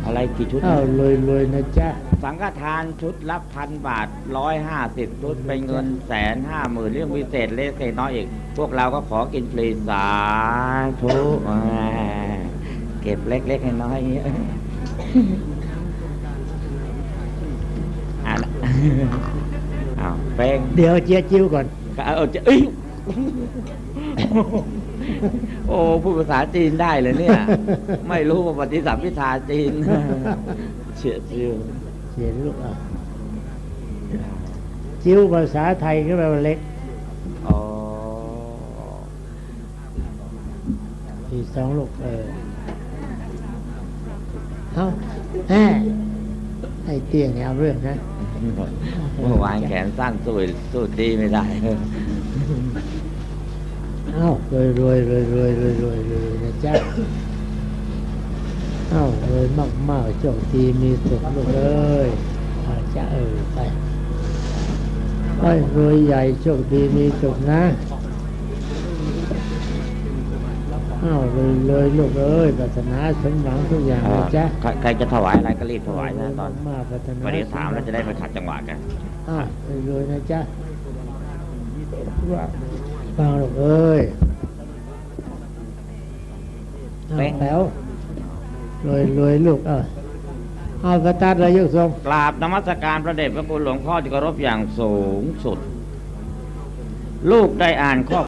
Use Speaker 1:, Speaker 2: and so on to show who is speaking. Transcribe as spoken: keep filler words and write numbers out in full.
Speaker 1: อะไรกี่ชุด
Speaker 2: อ้าวรวยรวยนะจ๊ะ
Speaker 1: สังฆทานชุดละพันบาทร้อยห้าสิบชุดเป็นเงินแสนห้าหมื่นเรื่องพิเศษเล็กน้อยอีกพวกเราก็ขอกินฟรีสาธุเก็บเล็กๆน้อยๆอย่างเงี้ยอ่ะอ้าวเป้ง
Speaker 2: เดี๋ยวเจี๊ยจิ้วก่อน
Speaker 1: เออจะเอ้ยโอ้พูดภาษาจีนได้เลยเนี่ย ไม่รู้ว่าปฏิสัมพิทาจีนเฉียดชิว
Speaker 2: เขียนลูกอ่ะจิ้วภาษาไทยก็แปลว่าเล็ก
Speaker 1: อ๋อ
Speaker 2: อีกสองลูกเออเอาแฮ่ให้เตี้ยเนี่ยเอาเรื่องนะ
Speaker 1: เมื่อวานแขนสั้นสู้สู้ดีไม่ได้
Speaker 2: เอ้ารวยรวยรวยรวยรวยรวยรวยนะจ๊ะเอ้ารวยมากมากโชคดีมีสุขลูกเอ้ยอาจะเออไปไปรวยใหญ่โชคดีมีสุขนะเอ้ารวยรวยลูกเอ้ยปรารถนาสมหวังทุกอย่างนะจ๊ะ
Speaker 1: ใครใครจะถวายอะไรก็รีบถวายนะตอน
Speaker 2: มากปรารถนา
Speaker 1: วันนี้ถามแล้วจะได้ไปขัดจังหวะกัน
Speaker 2: อ้าวรวยรวยนะจ๊ะว่าฟังลูกเอ้ยเอาแล้วรวยรวยลูกเออเอากระตัดเลยยกทรง
Speaker 1: กราบนมัสการพระเดชพระคุณหลวงพ่อที่เคารพอย่างสูงสุด ลูกได้อ่านข้อ